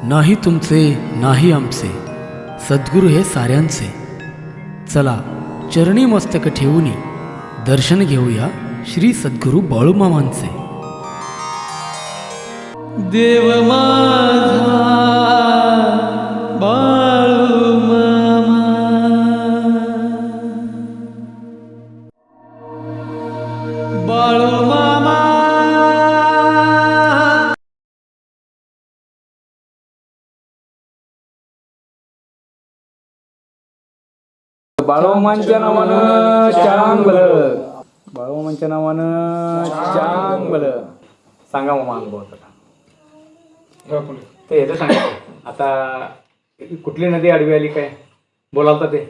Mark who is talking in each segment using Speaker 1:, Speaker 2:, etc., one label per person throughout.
Speaker 1: नाही तुमचे नाही आमचे, सद्गुरू हे साऱ्यांचे. चला चरणी मस्तक ठेवूनी दर्शन घेऊया श्री सद्गुरू बाळूमामांचे. देव माझा बाळूमामा, बाळूमामा.
Speaker 2: बाळूमामांच्या नावानं चांगलं, बाळूमामांच्या नावानं चांगलं. सांगा मामा अनुभव ते येतं सांगा. आता कुठली नदी आडवी आली काय बोलालता ते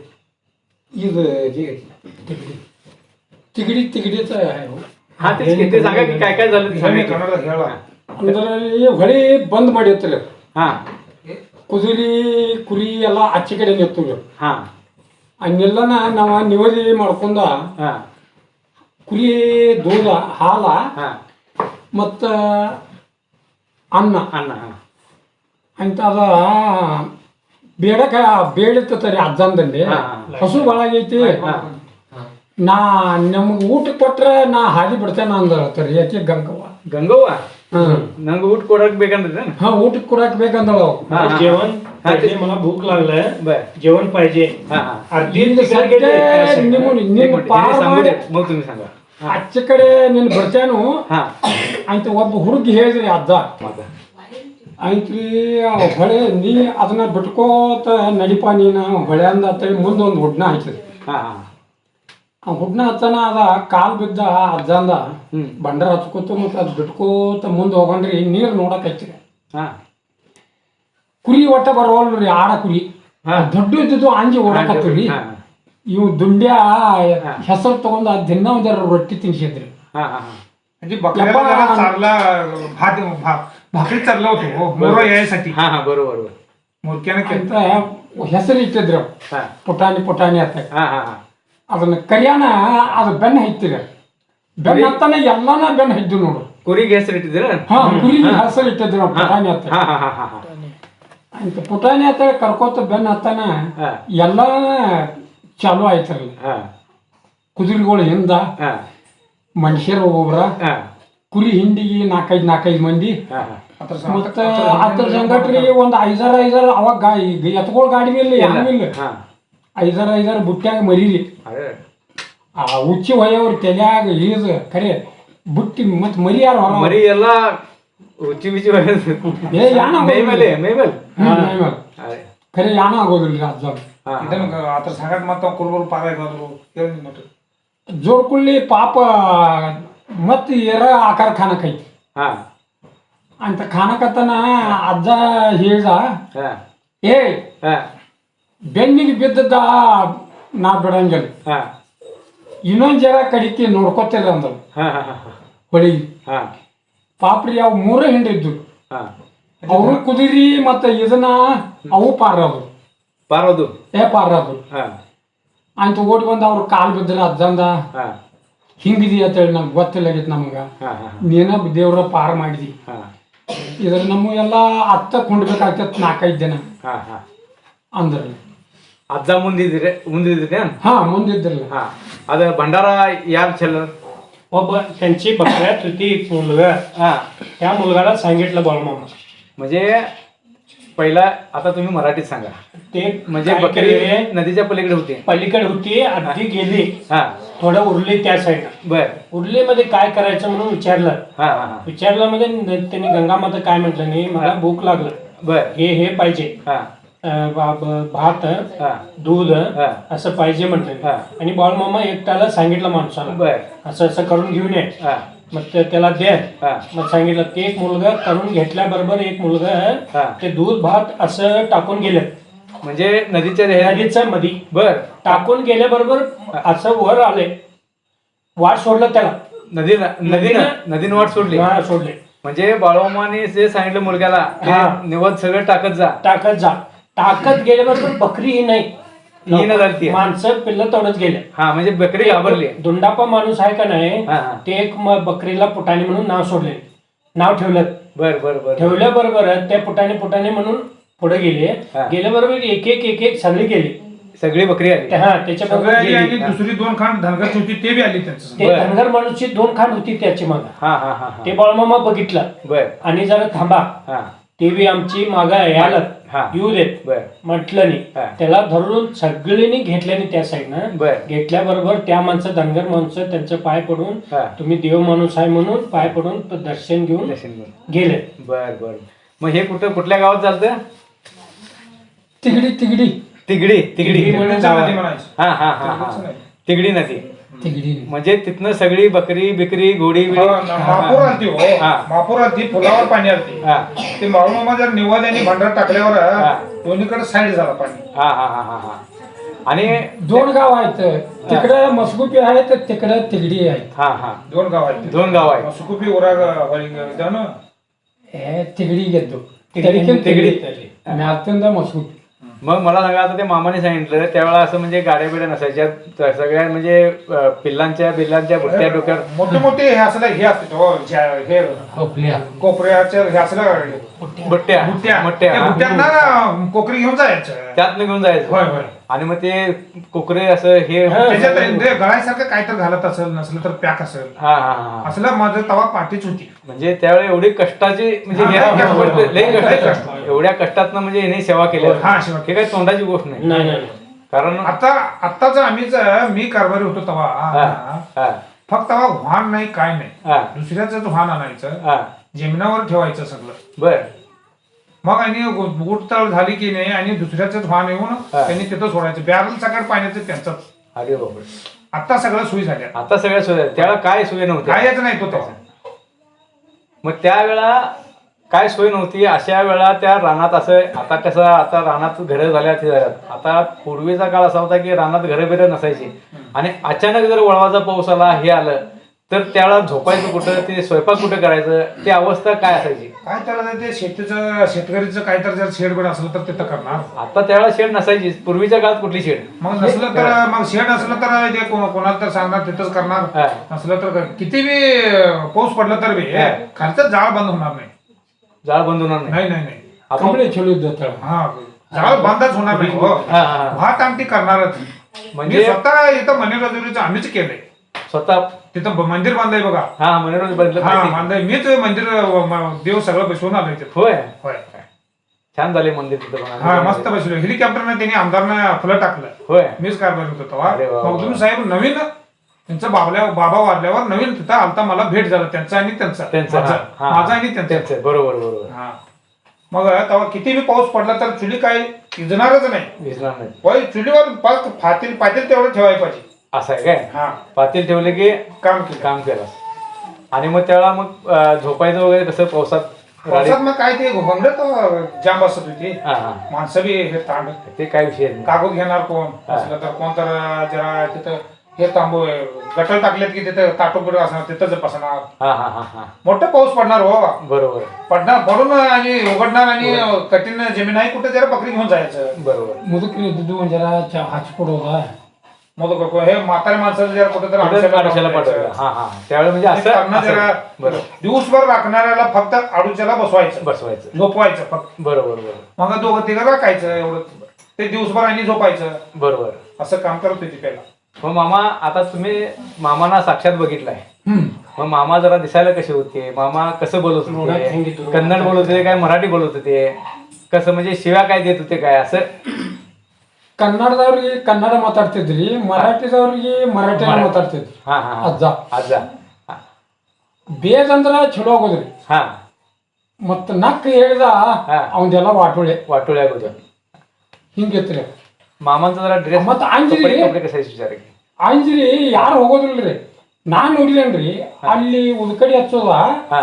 Speaker 3: तिकडीच आहे हो.
Speaker 2: हा ते सांगा की काय काय झालं ते सांगा.
Speaker 3: ಅಂದ್ರೆ ಹೊಳೆ ಬಂದ್ ಮಾಡಿರ್ತಾರೆ.
Speaker 2: हा
Speaker 3: ಕುದುರಿ ಕುರಿ ಎಲ್ಲ ಆಚೆ ಕಡೆ ನಿಂತು
Speaker 2: हा
Speaker 3: ಹಂಗೆಲ್ಲನ ನಾವು ನಿವದಿ ಮಾಡ್ಕೊಂಡ
Speaker 2: हा
Speaker 3: ಕುರಿ ದೂಧ ಹಾಲ
Speaker 2: हा
Speaker 3: ಮತ್ತ ಅನ್ನ
Speaker 2: ಅನ್ನ हा
Speaker 3: ಅಂತ ಅದ ಬೇಡಕ ಬೇಡಿರ್ತರಿ ಅಜ್ಜಂದಲ್ಲಿ ಹಸು ಭಾಳ ಆಗೈತಿ. ನಾ ನಮ್ಗೆ ಊಟ ಕೊಟ್ರೆ ನಾ ಹಾದಿ ಬಿಡ್ತೇನೆ ಅಂದಳತ್ತರಿ. ಯಾಕೆ ಗಂಗವ್ವ
Speaker 2: गंगव्वा ನಂಗೆ ಊಟ ಕೊಡಕ್ ಬೇಕಂದ್ರೆ
Speaker 3: हा ಊಟಕ್ಕೆ ಕೊಡಾಕ್ ಬೇಕಂದಳ.
Speaker 4: जेवण पाहिजे, मला भूक लागलंय, जेवण पाहिजे.
Speaker 3: ನಿಮ್ಮ ಪಾರ್ ಮಾಡಿ
Speaker 2: मग तुम्ही सांगा.
Speaker 3: ಆಚೆ ಕಡೆ ನೀನು ಬಿಡ್ತೇನು
Speaker 2: हा
Speaker 3: ಅಂತ ಒಬ್ಬ ಹುಡುಗಿ ಹೇಳಿದ್ರಿ ಅಜ್ಜ. ಆಯ್ತ್ರಿ ಹೊಳೆ ನೀ ಅದನ್ನ ಬಿಟ್ಕೋತ ನಡಿಪ ನೀನು ಹೊಳೆ ಅಂದ ಅಂತೇಳಿ ಮುಂದೊಂದು ಹುಡ್ನ ಹಾಕಿದ್ರಿ.
Speaker 2: हा हा
Speaker 3: ಆ ಹುಡ್ನ ಹಚ್ಚನ ಅದ ಕಾಲ್ ಬಿದ್ದ ಅಜ್ಜ ಅಂದ ಬಂಡರ ಹಚ್ಕೋತ ಮತ್ತೆ ಅದು ಬಿಟ್ಕೋತ ಮುಂದೆ ಹೋಗಂಡ್ರಿ ನೀರು ನೋಡಕ್ ಹಚ್ಚಿರಿ.
Speaker 2: हा
Speaker 3: ಕುರಿ ಒಟ್ಟ ಬರೋಲ್ರಿ ಆಡ ಕುರಿ ದೊಡ್ಡ ಇದ್ದಿದ್ದು ಅಂಜಿ ಓಡಾಕತ್ತೀರಿ. ಇವು ದುಂಡ್ಯ ಹೆಸರು ತಗೊಂಡ ದಿನ ಒಂದರ ರೊಟ್ಟಿ ತಿನ್ಸಿದ್ರಿ.
Speaker 2: हा हा
Speaker 4: म्हणजे बकऱ्याला चारला भाकरी चारला होतो मोर यायसाठी.
Speaker 2: हा हा बरोबर बरोबर.
Speaker 4: मोरक्यानं
Speaker 3: ಅಂತ ಹೆಸರು ಇಟ್ಟಿದ್ರು
Speaker 2: हा
Speaker 3: ಪುಟಾಣಿ ಪುಟಾಣಿ ಅಂತ.
Speaker 2: हा हा हा
Speaker 3: ಅದನ್ನ ಕರಿಯಾಣ ಅದು ಬೆನ್ನ ಹತ್ತಿರ ಬೆನ್ನ ಹತ್ತಾನೆ ಎಲ್ಲಾನ ಬೆನ್ನ ಹದ್ದು ನೋಡು.
Speaker 2: ಕುರಿಗೆ ಹೆಸರು ಇಟ್ಟಿದ್ದೀರ.
Speaker 3: ಹಾ ಕುರಿ ಹೆಸರು ಇಟ್ಟಿದ್ರು ಪುಟಾಣಿ ಅಂತ.
Speaker 2: हा हा हा हा हा
Speaker 3: ಅಂತ ಪುಟಾಣಿ ಅಂತ ಕರ್ಕೋತ ಬೆನ್ನ ಹತ್ತಾನ ಎಲ್ಲ ಚಾಲು ಆಯ್ತಲ್ಲ.
Speaker 2: हा
Speaker 3: ಕುದುರೆಗಳು ಹಿಂದ
Speaker 2: हा
Speaker 3: ಮನುಷ್ಯರು ಒಬ್ಬೊಬ್ರ
Speaker 2: हा
Speaker 3: ಕುರಿ ಹಿಂಡಿಗೆ ನಾಲ್ಕೈದು ಮಂದಿ
Speaker 2: हा हा
Speaker 3: ಮತ್ತ ಅದ್ರ ಸಂಗಟ್ರಿ ಒಂದು ಐದಾರು ಅವಾಗ ಎತ್ಕೊಳ್ ಗಾಡಿ ಮೇಲೆ ಯಾವಿಲ್ಲ
Speaker 2: हा
Speaker 3: ಐದಾರು ಬುಟ್ಟ್ಯಾಗ ಮರೀರಿ.
Speaker 2: अरे
Speaker 3: ಆ ಉಚ್ಚಿ ಹೊಯ್ಯವ್ರ ತಲ್ಯಾಗ ಈಜ ಖರೆ ಬುಟ್ಟಿ ಮತ್ ಮರಿ ಯಾರು
Speaker 2: मरी ಎಲ್ಲ ಉಚ್ಚಿ ಬಿಚ್ಚಿ
Speaker 3: ಏ ಯಾಣ
Speaker 2: ಮೇಮೇಲೆ ಮೇಮೇಲ್ अरे
Speaker 3: ಖರೆ ಯಾಣ ಆಗೋದಿಲ್ರಿ ಅಜ್ಜ.
Speaker 2: हा
Speaker 4: ಇದನ್ನ ಆತರ ಸಂಗಟ ಮತ್ತ ಕುರುಬರು ಪಾರ ಇರೋದು ಹೇಳಿ ನೋಡ್ರಿ.
Speaker 3: ಜೋಡ್ಕೊಳ್ಳಿ ಪಾಪ ಮತ್ ಏರ ಆಕಾರ ಖಾನಕೈತಿ
Speaker 2: हा
Speaker 3: ಅಂತ ಖಾನಕತನ ಅಜ್ಜ ಹೇಳ್ದ
Speaker 2: हा
Speaker 3: ಏ
Speaker 2: हा
Speaker 3: ಬೆನ್ನಿಗೆ ಬಿದ್ದದ ನಾ ಬಿಡಂಗಿಲ್ಲ,
Speaker 2: हा
Speaker 3: ಇನ್ನೊಂದ್ ಜರ ಕಡಿಕೆ ನೋಡ್ಕೊತಿಲ್ಲ ಅಂದ್ರ
Speaker 2: हा हा
Speaker 3: ಹೊಳಿ.
Speaker 2: हा
Speaker 3: ಪಾಪ್ರಿ ಅವು ಮೂರೇ ಹಿಂಡಿದ್ದು
Speaker 2: हा
Speaker 3: ಅವು ಕುದುರಿ ಮತ್ತ ಇದನ್ನ ಅವು ಪಾರದು
Speaker 2: ಪಾರೋದು
Speaker 3: ಪಾರದು
Speaker 2: हा
Speaker 3: ಅಂತ ಓಡಿ ಬಂದ ಅವ್ರ ಕಾಲ್ ಬಿದ್ರ ಅಜ್ಜಂದ
Speaker 2: हा
Speaker 3: ಹಿಂಗಿದಿ ಅಂತೇಳಿ ನಮ್ಗೆ ಗೊತ್ತಿಲ್ಲಾಗಿತ್ತು ನಮಗ.
Speaker 2: हा हा
Speaker 3: ನೀನ ದೇವ್ರ ಪಾರ್ ಮಾಡಿದಿ.
Speaker 2: हा
Speaker 3: ಇದ್ರ ನಮ್ಮ ಎಲ್ಲ ಅತ್ತ ಕೊಂಡ್ಬೇಕಾಗ್ತತ್ 4-5 ಜನ
Speaker 2: हा हा
Speaker 3: ಅಂದ್ರ.
Speaker 2: ಅಜ್ಜ ಮುಂದಿದ್ರೆ
Speaker 3: ಹಾ ಮುಂದಿದ್ರಲ್ಲ.
Speaker 2: हा ಅದ भंडारा यार ಚೆಲ್ಲर
Speaker 4: ಒಬ್ಬ त्यांची बकऱ्यात होती एक मुलगा.
Speaker 2: हा
Speaker 4: त्या मुलगाला सांगितलं बाळूमामा
Speaker 2: म्हणजे पहिला आता तुम्ही मराठीत सांगा.
Speaker 4: ते
Speaker 2: म्हणजे
Speaker 4: काय
Speaker 2: बकरी
Speaker 4: केले,
Speaker 2: नदीच्या पलीकडे होती.
Speaker 4: पलीकडे होती अर्धी गेली,
Speaker 2: हा
Speaker 4: थोडं उरली त्या साईडला.
Speaker 2: बर
Speaker 4: उरलीमध्ये काय करायचं म्हणून विचारलं.
Speaker 2: हा हा हा
Speaker 4: विचारल्यामध्ये त्यांनी गंगामाता काय म्हटलं नाही, मला भूक लागलं,
Speaker 2: बर
Speaker 4: हे पाहिजे,
Speaker 2: हा
Speaker 4: भात
Speaker 2: हा
Speaker 4: दूध
Speaker 2: हा
Speaker 4: असं पाहिजे म्हटलं.
Speaker 2: हा.
Speaker 4: आणि बाळूमामा एकट्याला सांगितलं माणसाला
Speaker 2: बर
Speaker 4: असं करून घेऊन ये.
Speaker 2: हा
Speaker 4: मग त्याला दे.
Speaker 2: हा
Speaker 4: मग सांगितलं ते एक मुलगा करून घेतल्याबरोबर एक मुलगा
Speaker 2: हा
Speaker 4: ते दूध भात असं टाकून गेले
Speaker 2: म्हणजे नदीच्या
Speaker 4: नदीच्या मध्ये.
Speaker 2: बर
Speaker 4: टाकून गेल्याबरोबर असं वर आले, वाट सोडलं त्याला,
Speaker 2: नदीनं वाट सोडली.
Speaker 4: सोडले.
Speaker 2: म्हणजे बाळूमामाने जे सांगितलं मुलग्याला
Speaker 4: हा.
Speaker 2: निवद सगळं टाकत जा.
Speaker 4: टाकत गेल्याबरोबर बकरी ही नाही,
Speaker 2: ही न झाली.
Speaker 4: माणसं पिल्लं तोडत गेले.
Speaker 2: हा म्हणजे बकरी घाबरली.
Speaker 4: दुंडापा माणूस आहे का नाही,
Speaker 2: हा, हा.
Speaker 4: ते एक बकरीला पुटाणी म्हणून नाव सोडले, नाव ठेवलं.
Speaker 2: बर बर बर
Speaker 5: ठेवल्याबरोबर त्या पुटाने म्हणून पुढे गेले.
Speaker 2: हा.
Speaker 5: गेल्याबरोबर एक सगळी गेली.
Speaker 2: सगळी बकरी आली.
Speaker 5: हा त्याच्याबरोबर
Speaker 4: सगळ्याची आणि
Speaker 5: गेली.
Speaker 4: दुसरी 2 खांड धनगरची होती ते बी आली त्यांचं.
Speaker 5: ते धनगर माणूसची 2 खांड होती त्याची माग.
Speaker 2: हा हा हा
Speaker 5: ते बाळमामा बघितलं
Speaker 2: बर
Speaker 5: आणि जरा थांबा,
Speaker 2: हा
Speaker 5: ते बी आमची माग यायला
Speaker 2: हा.
Speaker 5: येऊ देत
Speaker 2: बर
Speaker 5: म्हटलं नाही.
Speaker 2: हा.
Speaker 5: त्याला धरून सगळ्यांनी घेतल्याने त्या साईडनं
Speaker 2: बर
Speaker 5: घेतल्याबरोबर त्या माणसं धनगर माणसं त्यांचं पाय पडून
Speaker 2: हा.
Speaker 5: तुम्ही देव माणूस आहे म्हणून पाय पडून दर्शन घेऊन
Speaker 2: दर्शन घेऊन.
Speaker 5: गेले.
Speaker 2: बर बर मग हे कुठल्या गावात चालतं?
Speaker 3: तिगडी
Speaker 2: तिगडी
Speaker 5: तिगडी
Speaker 2: तिगडी
Speaker 5: म्हणून
Speaker 4: त्यांच्या
Speaker 5: गाव
Speaker 4: नदी
Speaker 5: आहे.
Speaker 4: म्हणायची.
Speaker 2: हा हा हा हा तिगडी नदी.
Speaker 3: तिगडी
Speaker 2: म्हणजे तिथनं सगळी बकरी बिकरी घोडी बिडी.
Speaker 4: महापूर आलती हो
Speaker 2: हा.
Speaker 4: महापूर आलती, पुलावर पाणी आलती.
Speaker 2: हा
Speaker 4: ते बाळूमामा जर निवाद आणि भांडार टाकल्यावर
Speaker 2: हा.
Speaker 4: दोन्हीकडे साईड झाला पाणी.
Speaker 2: हा हा हा हा हा आणि
Speaker 3: 2 गाव आहेत. तिकडे मसगुपी आहे तर तिकडे तिगडी आहे.
Speaker 2: हा हा
Speaker 4: 2 गाव आहेत.
Speaker 2: 2 गाव आहेत.
Speaker 4: सुकुपी उराग जाणं
Speaker 3: हे तिगडी घेतो
Speaker 5: तिगडी
Speaker 3: तिगडी मॅतंदा मसगुपी.
Speaker 2: मग मला सांगा, आता ते मामाने सांगितलं त्यावेळेला असं म्हणजे गाड्या बिड्या नसायच्या, सगळ्या म्हणजे पिल्लांच्या बुट्ट्या डोक्यावर.
Speaker 4: मोठे मोठे हे असलं हे असते हो, हे
Speaker 3: खोकल्या
Speaker 4: कोपऱ्याचे हे असलं
Speaker 2: बुट्ट्या
Speaker 4: बुट्ट्या
Speaker 2: मोठ्या
Speaker 4: त्या बुट्ट्यांना कोकरी घेऊन जायचं.
Speaker 2: त्यातनं घेऊन जायचं.
Speaker 4: होय होय.
Speaker 2: आणि मग ते कोकरे असं हे
Speaker 4: त्याच्यात ते गळायसारखं काय तर घालत असेल, नसलं तर पॅक असेल
Speaker 2: हा हा हा
Speaker 4: असलं. माझं तवा पाठीच होती.
Speaker 2: म्हणजे त्यावेळी एवढी कष्टाची म्हणजे
Speaker 4: हा,
Speaker 2: लई
Speaker 4: कष्ट.
Speaker 2: कष्ट, एवढ्या कष्टातनं म्हणजे हिने सेवा केली.
Speaker 4: हा, सेवा.
Speaker 2: हे काही तोंडाची गोष्ट नाही.
Speaker 5: नाही नाही
Speaker 2: कारण
Speaker 4: आताच मी कारभारी होतो तवा
Speaker 2: हा हा
Speaker 4: फक्त तवा वाहन नाही काय नाही,
Speaker 2: हा
Speaker 4: दुसऱ्याच वाहन आणायचं,
Speaker 2: हा
Speaker 4: जेमिनावर ठेवायचं सगळं.
Speaker 2: बर
Speaker 4: मग आणि गुटतळ झाली की नाही आणि दुसऱ्याच वाहन येऊन त्यांनी तिथं सोडायचं. बॅरल सगळं पाण्याचं त्यांचं.
Speaker 2: अरे बापरे.
Speaker 4: आता सगळं सोयी झाल्या.
Speaker 2: आता सगळ्या सोय, त्यावेळेला काय सोय नव्हती.
Speaker 4: कायच नाही तो तसा.
Speaker 2: मग त्यावेळेला काय सोय नव्हती. अशा वेळा त्या रानात असं, आता कसं आता रानात घरं झाल्या ते झाल्यात. आता पूर्वीचा काळ असा होता की रानात घरं बिरं नसायची आणि अचानक जर वळवाचा पाऊस आला, हे आलं तर त्यावेळेला झोपायचं कुठं, ते स्वयंपाक कुठं करायचं, ती अवस्था काय असायची.
Speaker 4: काय त्याला ते शेतकरीचं काय तर जर शेड असलं तर तिथं करणार.
Speaker 2: आता त्यावेळेला शेड नसायची. पूर्वीच्या काळात कुठली शेड.
Speaker 4: मग नसलं तर मग शेड असलं तर ते कोणाला तर सांगणार तिथंच करणार.
Speaker 2: हा.
Speaker 4: नसलं तर किती बी पाऊस पडला तर बी खालचं जाळ बंद होणार नाही.
Speaker 2: जाळ बंद होणार नाही.
Speaker 4: नाही नाही नाही.
Speaker 2: आपण
Speaker 3: कपडे खेळू देतात.
Speaker 4: हा जाळ बंदच होणार नाही हो.
Speaker 2: हा, हा, हा.
Speaker 4: भात आमटी करणारच.
Speaker 2: म्हणजे-
Speaker 4: म्हणजे स्वतः इथं मनेराजुरीचं आम्हीच केलंय.
Speaker 2: स्वतः
Speaker 4: तिथं मंदिर बांधलंय बघा.
Speaker 2: हा मनोरंजन बदलत
Speaker 4: हा
Speaker 2: माहिती.
Speaker 4: बांधलंय मीच मंदिर देव सगळं बसवून आलोय तिथं.
Speaker 2: होय
Speaker 4: होय.
Speaker 2: छान झाले मंदिर तिथं पण.
Speaker 4: हा मस्त बसलो. हेलिकॉप्टरने त्यांनी आमदारनं फुलं टाकलं.
Speaker 2: होय
Speaker 4: मीच कारभार होतो तेव्हा.
Speaker 2: अरे वा, वा.
Speaker 4: मग तुम्ही साहेब नवीन त्यांचं बाबा वारल्यावर नवीन तिथं आलता, मला भेट झाला त्यांचा आणि त्यांचा.
Speaker 2: त्यांचं
Speaker 4: माझा
Speaker 2: हा, हा.
Speaker 4: माझा आणि त्यांचा.
Speaker 2: त्यांचं बरोबर बरोबर.
Speaker 4: हा मग तेव्हा किती बी पाऊस पडला तर चुली काय विजणारच नाही.
Speaker 2: विसरणार नाही.
Speaker 4: होय चुलीवर पातील तेवढं ठेवायला पाहिजे.
Speaker 2: असं आहे काय.
Speaker 4: हा
Speaker 2: पातील ठेवले की
Speaker 4: काम केलं.
Speaker 2: काम केलं. आणि मग त्यावेळेला मग झोपायचं वगैरे कसं पावसात
Speaker 4: पावसात मग काय ते घोंगडं तर जाम बसत होती.
Speaker 2: हा हा
Speaker 4: माणसं बी हे तांड
Speaker 2: ते काय विषय नाही.
Speaker 4: कागद घेणार कोण असलं तर कोण तर जरा तिथं हे तांबू गटर टाकलेत की तिथं ताटोपट असणार तिथंच बसणार.
Speaker 2: हा हा हा हा
Speaker 4: मोठं पाऊस पडणार हो.
Speaker 2: बरोबर
Speaker 4: पडून आणि उघडणार आणि कठीण जमीन आहे कुठे जरा बकरी घेऊन जायचं.
Speaker 2: बरोबर.
Speaker 3: मुदुकरी दुधू जरा हाचपड होता.
Speaker 4: मग हे म्हातारे माणसाचं जरा कुठे तर
Speaker 2: आडोशाला पाठवलं. हा हा त्यावेळी म्हणजे असं
Speaker 4: जरा
Speaker 2: बरोबर
Speaker 4: दिवसभर राखणाऱ्याला फक्त आडूच्याला बसवायचं,
Speaker 2: बसवायचं.
Speaker 4: झोपवायचं फक्त.
Speaker 2: बरोबर बरोबर
Speaker 4: मग दोघं तिघं राखायचं एवढं. ते दिवसभर आणि झोपायचं
Speaker 2: बरोबर.
Speaker 4: असं काम करत होती पहिला.
Speaker 2: मग मामा आता तुम्ही मामाना साक्षात बघितलाय. मग मामा जरा दिसायला कसे होते, मामा कसं बोलत होते, कन्नड बोलत होते काय मराठी बोलत होते, कसं म्हणजे शिव्या काय देत होते काय असं.
Speaker 3: ಕನ್ನಡದವ್ರಿಗೆ ಕನ್ನಡ ಮಾತಾಡ್ತಿದ್ರಿ, ಮರಾಠಿದವ್ರಿಗೆ ಮರಾಠಿನ ಮಾತಾಡ್ತಿದ್ರಿ.
Speaker 2: ಹಾ ಹಾ
Speaker 3: ಅಜ್ಜ
Speaker 2: ಅಜ್ಜ
Speaker 3: ಬೇಜಂದ್ರ ಚಲೋ ಆಗೋದ್ರಿ.
Speaker 2: ಹಾ
Speaker 3: ಮತ್ತ ನಕ್ ಹೇಳಿದ ಅವನ್ದೆಲ್ಲ ವಾಟೋಳೆ
Speaker 2: वाटोळे आಗೋದು
Speaker 3: ಹಿಂಗಿತ್ರಿ.
Speaker 2: मामांचा जरा ड्रेस
Speaker 3: ಮತ್ತ ಅಂಜ್ರಿ
Speaker 2: कसा विचार की
Speaker 3: ಅಂಜ್ರಿ ಯಾರು ಹೋಗೋದಿಲ್ರಿ. ನಾನ್ ನೋಡಿದೇನ್ರಿ ಅಲ್ಲಿ ಉದ್ಕಡಿ ಹಚ್ಚೋದ.
Speaker 2: ಹಾ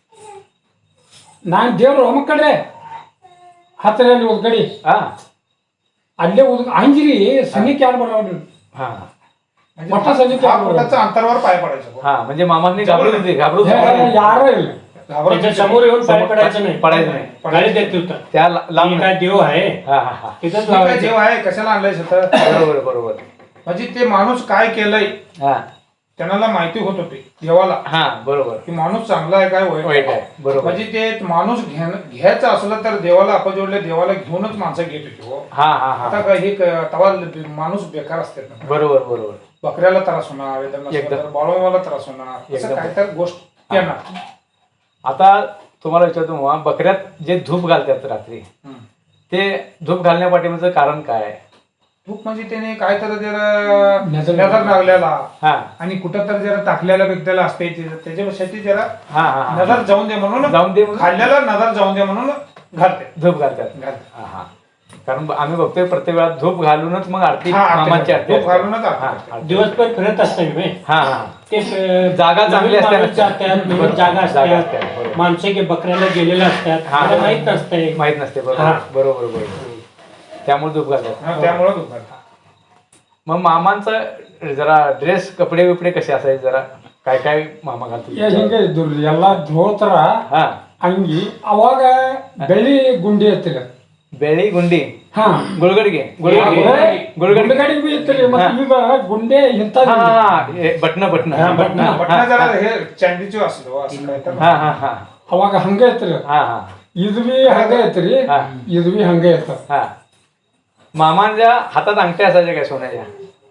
Speaker 3: ನಾನ್ ದೇವ್ರ ಒಮ್ಮ ಕಡೆ ಹತ್ತಿರ ಅಲ್ಲಿ ಉದ್ಕಡಿ
Speaker 2: ಹಾ
Speaker 3: ಅಲ್ಲೇ ಅಂಜ್ರಿ ಸನಿಕ್ ಯಾರು ಬರೋದ್ರಿ.
Speaker 2: हा
Speaker 3: मोठा सैनिक
Speaker 4: हा फुटाचं अंतरावर पाय पडायचं.
Speaker 2: हा म्हणजे मामांनी घाबरत होते
Speaker 3: ಯಾರೋ ಇಲ್ಲ
Speaker 5: त्याच्या समोर येऊन पाय पडायचं नाही.
Speaker 2: पडायचं नाही.
Speaker 5: गाडी देत होता.
Speaker 2: त्या
Speaker 5: मी
Speaker 2: लांब
Speaker 5: काय देव आहे
Speaker 2: हा हा हा
Speaker 5: तिथंच
Speaker 4: काय
Speaker 5: लावायचं.
Speaker 4: जेव आहे कशाला आणलंय स्वतः.
Speaker 2: बरोबर बरोबर.
Speaker 4: म्हणजे ते माणूस काय केलंय
Speaker 2: हा
Speaker 4: त्यांना माहिती होत होती देवाला
Speaker 2: हा बरोबर
Speaker 4: की माणूस चांगला आहे काय वाईट
Speaker 2: वाईट आहे बरोबर
Speaker 4: म्हणजे ते माणूस घ्यायचं असलं तर देवाला आपण जोडले देवाला घेऊनच माणसं घेत होती हो.
Speaker 2: हा हा हा
Speaker 4: आता काय हे तवा माणूस बेकार असते ना.
Speaker 2: बरोबर बरोबर
Speaker 4: बकऱ्याला त्रास होणार
Speaker 2: एकदम.
Speaker 4: बाळूमाला त्रास होणार असं
Speaker 2: एकदम.
Speaker 4: काय तर गोष्ट येणार.
Speaker 2: आता तुम्हाला विचारतो मग बकऱ्यात जे धूप घालतात रात्री
Speaker 4: हम्म.
Speaker 2: ते धूप घालण्या पाठीमागचं कारण काय आहे?
Speaker 4: खूप म्हणजे त्याने काय तर जरा
Speaker 3: नजर
Speaker 4: नजर लागलेला
Speaker 2: हा
Speaker 4: आणि कुठं तर जरा टाकलेला व्यक्तीला असते त्याच्यासाठी जरा
Speaker 2: हा हा हा.
Speaker 4: नजर जाऊन दे म्हणून
Speaker 2: जाऊन दे म्हणून
Speaker 4: खाल्ल्याला नजर जाऊन दे म्हणून घालते
Speaker 2: धूप घालतात
Speaker 4: घालते.
Speaker 2: हा हा कारण आम्ही बघतोय प्रत्येक वेळा धूप घालूनच मग आरती
Speaker 4: हा, आरती
Speaker 2: मामांची
Speaker 4: करतात.
Speaker 2: आरती
Speaker 4: धूप घालूनच आरती
Speaker 2: हा,
Speaker 4: करतात.
Speaker 2: आरती.
Speaker 5: दिवसभर फिरत असते मी
Speaker 2: हा हा
Speaker 5: ते
Speaker 2: जागा चांगली
Speaker 5: नवीन
Speaker 2: असते
Speaker 5: माणूस जातात नवीन
Speaker 2: बरोबर.
Speaker 5: जागा
Speaker 2: जागा
Speaker 5: असतात
Speaker 2: असतात, बरोबर.
Speaker 5: माणसे की बकऱ्याला गेलेले असतात
Speaker 2: हा.
Speaker 5: मला माहित नसतंय
Speaker 2: माहित नसते बरोबर
Speaker 5: हा.
Speaker 2: बरोबर बरोबर त्यामुळे धूप घालतात
Speaker 4: हा, त्यामुळं धूप घालतात.
Speaker 2: मग मामांचं जरा ड्रेस कपडे बिपडे कसे असायचे जरा काय काय मामा घालतो
Speaker 3: ಹಿಂಗೆ ಇದ್ರು ಎಲ್ಲ ಧೋತ್ರ
Speaker 2: हा
Speaker 3: ಅಂಗಿ ಅವಾಗ ಬೆಳ್ಳಿ ಗುಂಡಿ ಇರ್ತೀರ
Speaker 2: ಬೆಳಿ ಗುಂಡಿ
Speaker 3: ಹಾ
Speaker 2: ಗುಳ್ಗಡಿಗೆ ಗುಳ್ಗಡಿಗೆ ಗುಳ್ಗಡಿಗೆ
Speaker 3: ಗುಂಡಗಡಿ ಬಿ ಇರ್ತೀರಿ ಮತ್ತೆ ಈಗ ಗುಂಡೆ ಇಂಥ
Speaker 2: हा हा बटन बटन
Speaker 5: हा, बटणं.
Speaker 4: बटणं जरा हे चांदीचे असलो असं काय तर
Speaker 2: हा हा हा
Speaker 3: ಅವಾಗ ಹಂಗ ಇರ್ತೀರಿ
Speaker 2: हा हा
Speaker 3: ಇದು ಬಿ ಹಂಗ ಐತ್ರಿ
Speaker 2: हा
Speaker 3: ಇದು ಬಿ ಹಂಗ ಇರ್ತದ
Speaker 2: हा मामांच्या हातात अंगठ्या असायच्या काय सोन्याच्या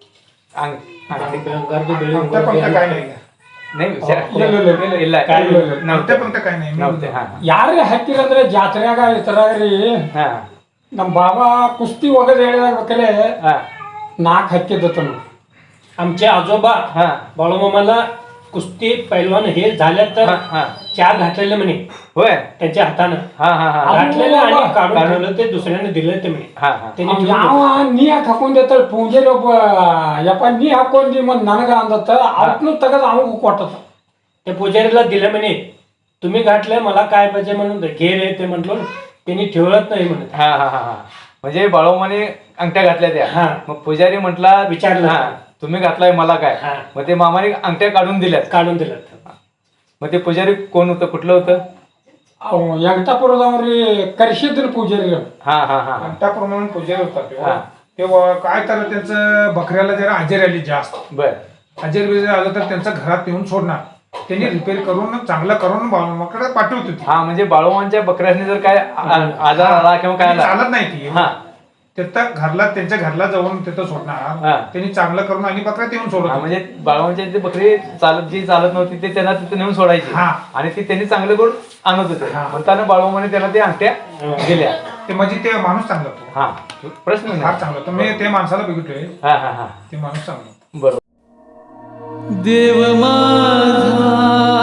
Speaker 2: अंगठी
Speaker 5: गर्दी बेळी
Speaker 4: अंगठ्या पंगठ्या काय नाही
Speaker 2: नाही विचार ಇಲ್ಲ
Speaker 3: काय
Speaker 4: अंगठ्या पंगठ्या काय नाही
Speaker 2: नव्हते हा
Speaker 3: ಯಾರೇ ಹಾಕಿರಂದ್ರೆ ಜಾತ್ರೆಯಾಗ ಇತರಾಗ್ರಿ
Speaker 2: हा
Speaker 3: ನಮ್ಮ ಬಾಬಾ ಕುಸ್ತಿ ಒಗದ್ ಹೇಳಿದಾಗ ಬೇಕಲೆ
Speaker 2: हा
Speaker 3: 4 ಹಾಕಿದ್ದತನು
Speaker 5: आमचे आजोबा
Speaker 2: हा
Speaker 5: बाळूमामाला कुस्ती पैलवान हे झाल्या तर
Speaker 2: हा हा
Speaker 5: 4 घातलेले म्हणे
Speaker 2: होय
Speaker 5: त्यांच्या हातानं
Speaker 2: हा हा हा
Speaker 5: घातलेलं आणि काढून
Speaker 2: काढून.
Speaker 5: ठेवलं ते दुसऱ्याने दिलं ते म्हणे
Speaker 2: हा हा
Speaker 5: त्यांनी
Speaker 3: ಅವ್
Speaker 5: ठेवून
Speaker 3: ಯಾವ ನೀ ಯಾಕೆ ಹಾಕೊಂಡಿರ್ತಾಳೆ ಪೂಂಜೆಲಿ ಒಬ್ಬ ಯಪ್ಪ ನೀ ಹಾಕೊಂಡಿ ಮತ್ ನನಗ ಅಂದತ್ತ ಅವತ್ನು ತೆಗದ್ ಅವಂಗ ಕೊಟ್ಟತ
Speaker 5: त्या पुजारीला दिलं म्हणे तुम्ही घातलंय मला काय पाहिजे म्हणून घे रे ते म्हटलं त्यांनी ठेवलंच नाही म्हणत
Speaker 2: हा हा हा हा म्हणजे बाळूमाने अंगठ्या घातल्या त्या
Speaker 5: हा.
Speaker 2: मग पुजारी म्हटला
Speaker 5: विचारलं.
Speaker 2: हा, तुम्ही घातलाय मला काय
Speaker 5: हा.
Speaker 2: मग ते मामाने अंगठ्या काढून दिल्यात
Speaker 5: काढून दिलं
Speaker 2: मग ते पुजारी कोण होतं कुठलं होतं
Speaker 3: ಅವ್ ವೆಂಕಟಾಪುರದವ್ರಿ ಕರ್ಸಿದ್ರು ಪೂಜಾರಿ
Speaker 2: हा हा हा हा
Speaker 4: अंगठाप्रमाणे पुजारी होतात ते.
Speaker 2: हा.
Speaker 4: ते काय तर त्यांचं बकऱ्याला जरा हजेरी आली जास्त
Speaker 2: बर
Speaker 4: हजेरी बिजेरी आलं तर त्यांचं घरात येऊन सोडणार त्यांनी रिपेअर करून चांगलं करून बाळूमाकडे पाठवत होती
Speaker 2: हा म्हणजे बाळूमांच्या बकऱ्याने जर काय आजार आला किंवा काय आला
Speaker 4: चालत नाही ती
Speaker 2: हा
Speaker 4: तिथं घरला त्यांच्या घरला जाऊन तिथं
Speaker 2: हा.
Speaker 4: सोडणार त्यांनी चांगलं करून आणि बकऱ्यात येऊन सोडत
Speaker 2: हा,
Speaker 4: होती.
Speaker 2: म्हणजे बाळूमांच्या इथे बकरी जी चालत नव्हती ते त्यांना तिथे नेऊन सोडायची
Speaker 4: हा.
Speaker 2: आणि ती त्यांनी चांगलं करून आणत होते
Speaker 4: हा.
Speaker 2: म्हणताना बाळूमाने त्याला ते अंगठ्या दिल्या
Speaker 4: ते म्हणजे ते माणूस चांगला होतो
Speaker 2: हा प्रश्न
Speaker 4: फार
Speaker 2: नाही
Speaker 4: चांगला होतो मी ते माणसाला बघितलोय
Speaker 2: हा हा हा
Speaker 4: ते माणूस चांगला होता.
Speaker 2: बरोबर
Speaker 1: देव माझा